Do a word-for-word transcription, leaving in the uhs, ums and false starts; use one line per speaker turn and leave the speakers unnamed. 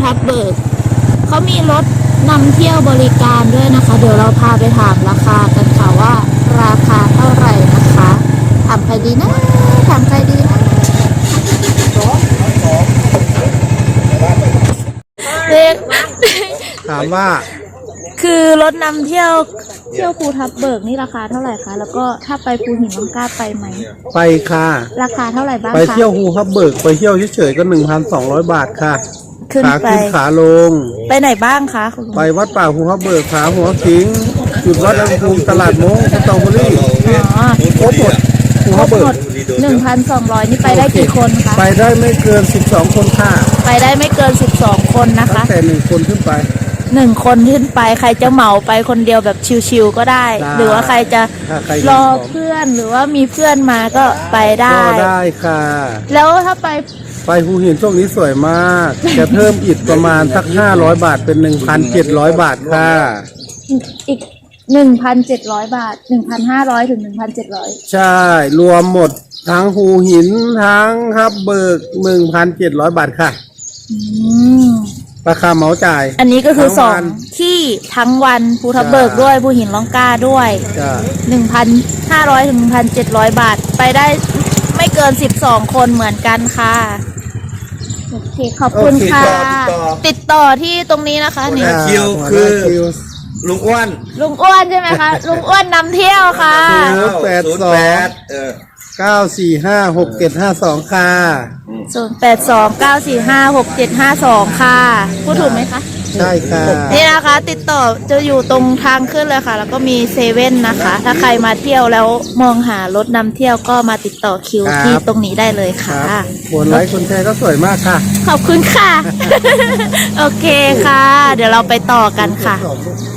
ทับเบิกเขามีรถนำเที่ยวบริการด้วยนะคะเดี๋ยวเราพาไปถามราคากันค่ะว่าราคาเท่าไหร่นะคะถามใครดีนะถามใครดีนะเด็ก
ถามว่า
คือรถนำเที่ยวเที่ยวภูทับเบิกนี่ราคาเท่าไหร่คะแล้วก็ถ้าไปภูหินน้องกล้าไปไหม
ไปค่ะ
ราคาเท่าไหร่บ้างคะ
ไปเที่ยวภูทับเบิกไปเที่ยวเฉยๆก็หนึ่งพันสองร้อยบาทค่ะ
ขึ้น
ขา
ไป
ขึ้นขาลง
ไปไหนบ้างคะคุณลุง
ไปวัดป่าภูทับเบิกขาหัวขิงจุดวัดอุณหภูมิตลาดมงสตรอเบอรี่
อ๋อ
ครบหมดภู
คร
ทั
บบ
เบิ
หม
ก
ดหนึ่งพันสองร้อยนี่ไปได้กี่คนคะ
ไปได้ไม่เกินสิบสองคนค่ะ
ไปได้ไม่เกินสิบสองคนนะ
ตั้
คะ
งแต่หนึ่งคนขึ้นไป
หนึ่งคนขึ้นไปใครจะเหมาไปคนเดียวแบบชิวๆก็ได้
ได้
หรือว่าใครจะ
ถ้าใคร
รอเพื่อนหรือว่ามีเพื่อนมาก็ไปได้
ก็ได้ค่ะ
แล้วถ้าไป
ไปภูหินช่วงนี้สวยมาก จะเพิ่มอีกประมาณสักห้าร้อยบาทเป็นหนึ่งพันเจ็ดร้อยบาทค่ะ
อีกหนึ่งพันเจ็ดร้อยบาทหนึ่งพันห้าร้อยถึงหนึ่งพันเจ็ดร้อย
ใช่ รวมหมดทั้งภูหินทั้งฮับเบิกหนึ่งพันเจ็ดร้อยบาทค่ะ
อืม
ราคาเหมาจ่าย
อันนี้ก็คือ
ทั้
ส
ง
อ
วั
ง
น
ที่ทั้งวันภูทับเบิก
จ้ะ
ด้วยภูหินล่องกล้าด้วย
จ้ะ
หนึ่งพันห้าร้อยถึงหนึ่งพันเจ็ดร้อยบาท ไปได้ไม่เกินสิบสองคนเหมือนกันค่ะโอเคขอบคุณค่ะ
โอเคต่อติดต่อ
ติดต่อที่ตรงนี้นะคะนี่
หัวหน้า คิว
หัวหน้า
คือ
คิว
ลุงอ้วน
ลุงอ้วนใช่ไหมคะ ลุงอ้วนนำเที่ยวค่ะ
ศูนย์แปดสอง
ศูนย์แปดเออ
เก้าสี่ห้าหกเจ็ดห้าสองค่ะ
ศูนย์แปดสองเก้าสี่ห้าหกเจ็ดห้าสองค่ะพูดถูกไหมคะ
ใช่ค่ะ
นี่นะคะ ติดต่อจะอยู่ตรงทางขึ้นเลยค่ะ แล้วก็มีเซเว่นนะคะ ถ้าใครมาเที่ยวแล้วมองหารถนำเที่ยวก็มาติดต่อคิว
ครับ
ที่ตรงนี้ได้เลย
ค
ค่ะ
รับคนไลค์คนแชร์ก็สวยมากค่ะ
ขอบคุณค่ะ โอเคค่ะ เดี๋ยวเราไปต่อกันค่ะ
ขอบคุณ